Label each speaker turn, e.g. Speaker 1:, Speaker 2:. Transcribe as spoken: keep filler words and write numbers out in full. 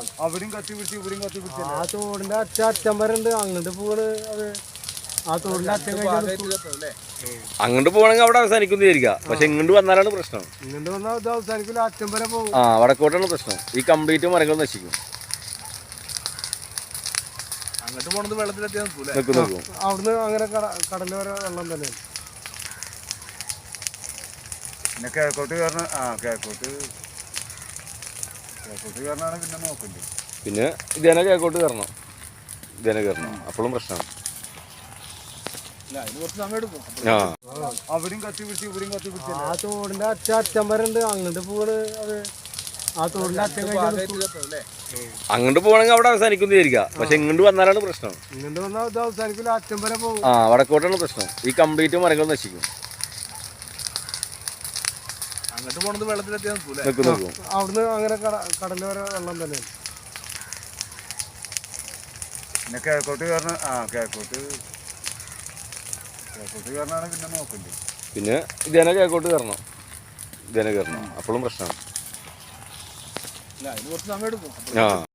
Speaker 1: അവിടെയും കത്തി പിടിച്ച് ഇവിടെയും കത്തി പിടിച്ച്
Speaker 2: ആ തോടിന്റെ അച്ഛ അച്ഛൻ വരണ്ട് അങ്ങോട്ട് പോണ് അത് ആ തോടിന്റെ അച്ഛൻ
Speaker 3: അങ്ങോട്ട് പോകണമെങ്കിൽ അവിടെ അവസാനിക്കുന്നു വിചാരിക്കുക. പക്ഷെ ഇങ്ങോട്ട് വന്നാലാണ് പ്രശ്നം.
Speaker 2: ഇങ്ങോട്ട് വന്നാൽ ഇത് അവസാനിക്കില്ല, അച്ഛൻ വരെ പോകും.
Speaker 3: ആ വടക്കോട്ടാണ് പ്രശ്നം. ഈ കംപ്ലീറ്റ് മരങ്ങൾ നശിക്കും.
Speaker 1: അങ്ങോട്ട് പോണത് വെള്ളത്തിലെത്തിയാൽ
Speaker 3: നിൽക്കും നിൽക്കും.
Speaker 2: അവിടുന്ന് അങ്ങനെ കടല് വരെ വെള്ളം തന്നെയാണ്.
Speaker 1: പിന്നെ കിഴക്കോട്ട് കയറണ ആ കിഴക്കോട്ട് കിഴക്കോട്ട് കയറണാണ് പിന്നെ നോക്കണ്ടേ.
Speaker 3: പിന്നെ ഇതേനെ കിഴക്കോട്ട് കയറണം, ഇതേനെ കയറണം, അപ്പോഴും പ്രശ്നമാണ്.
Speaker 1: അതിന് കുറച്ച് സമയം എടുക്കും.
Speaker 3: ആ
Speaker 1: അവിടെയും കത്തി പിടിച്ച് ഇവിടെയും കത്തി പിടിച്ച്
Speaker 2: ആ തോടിന്റെ അച്ഛ അച്ഛൻ വരണ്ട് അങ്ങോട്ട് പോണ് അത് ആ തോടിന്റെ അച്ഛൻ
Speaker 3: അങ്ങോട്ട് പോകണമെങ്കിൽ അവിടെ അവസാനിക്കുന്നു വിചാരിക്കുക. പക്ഷെ ഇങ്ങോട്ട് വന്നാലാണ് പ്രശ്നം.
Speaker 2: ഇങ്ങോട്ട് വന്നാൽ ഇത് അവസാനിക്കില്ല, അച്ഛൻ വരെ പോകും.
Speaker 3: ആ വടക്കോട്ടാണ് പ്രശ്നം. ഈ കംപ്ലീറ്റ് മരങ്ങൾ നശിക്കും.
Speaker 1: അങ്ങോട്ട് പോണത് വെള്ളത്തിലെത്തിയാൽ
Speaker 3: നിൽക്കും നിൽക്കും.
Speaker 2: അവിടുന്ന് അങ്ങനെ കടല് വരെ വെള്ളം തന്നെയാണ്.
Speaker 1: പിന്നെ കിഴക്കോട്ട് കയറണ ആ കിഴക്കോട്ട് കിഴക്കോട്ട് കയറണാണ് പിന്നെ നോക്കണ്ടേ.
Speaker 3: പിന്നെ ഇതേനെ കിഴക്കോട്ട് കയറണം, ഇതേനെ കയറണം, അപ്പോഴും പ്രശ്നമാണ്.
Speaker 1: അതിന് കുറച്ച് സമയം എടുക്കും.
Speaker 3: ആ